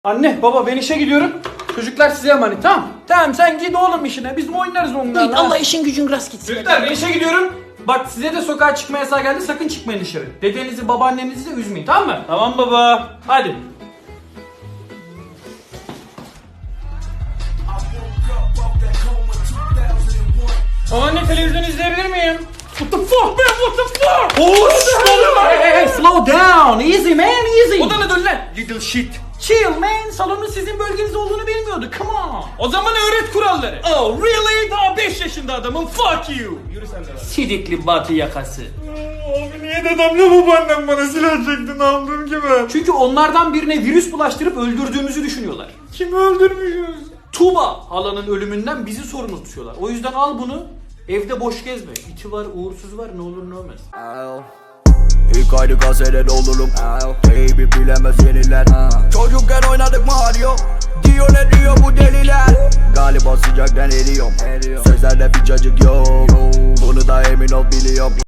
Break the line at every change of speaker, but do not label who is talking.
Anne baba ben işe gidiyorum. Çocuklar size emanet, tamam. Tamam sen git oğlum işine, biz mi oynarız onlarla?
Git, Allah işin gücün rast gitsin.
Çocuklar ben işe gidiyorum. Bak size de sokağa çıkma yasağı geldi, sakın çıkmayın dışarı. Dedenizi babaannenizi de üzmeyin, tamam mı? Tamam baba. Hadi. Anne televizyon izleyebilir miyim? What the fuck man, what the fuck? Hey, slow down, easy man, easy. Odana dön lan, little shit. Chill man, salonun sizin bölgeniz olduğunu bilmiyordu, come on. O zaman öğret kuralları. Oh really? Daha 5 yaşında adamım, fuck you. Yürü sen de lan. Sidikli batı yakası.
Abi niye dedemle babaannem bana silah çekti, ne yaptım ki ben?
Çünkü onlardan birine virüs bulaştırıp öldürdüğümüzü düşünüyorlar.
Kimi öldürmüşüz?
Tuğba halanın ölümünden bizi sorumlu tutuyorlar. O yüzden al bunu, evde boş gezme. İti var, uğursuz var, ne olur ne olmaz.
İlk ayda gazetede olurum. Baby bilemez yeniler. Çocukken oynadık Mario. Diyor ne diyor bu deliler. Galiba sıcaktan eriyorum. Sözlerde bir cacık yok. Bunu da emin ol biliyorum.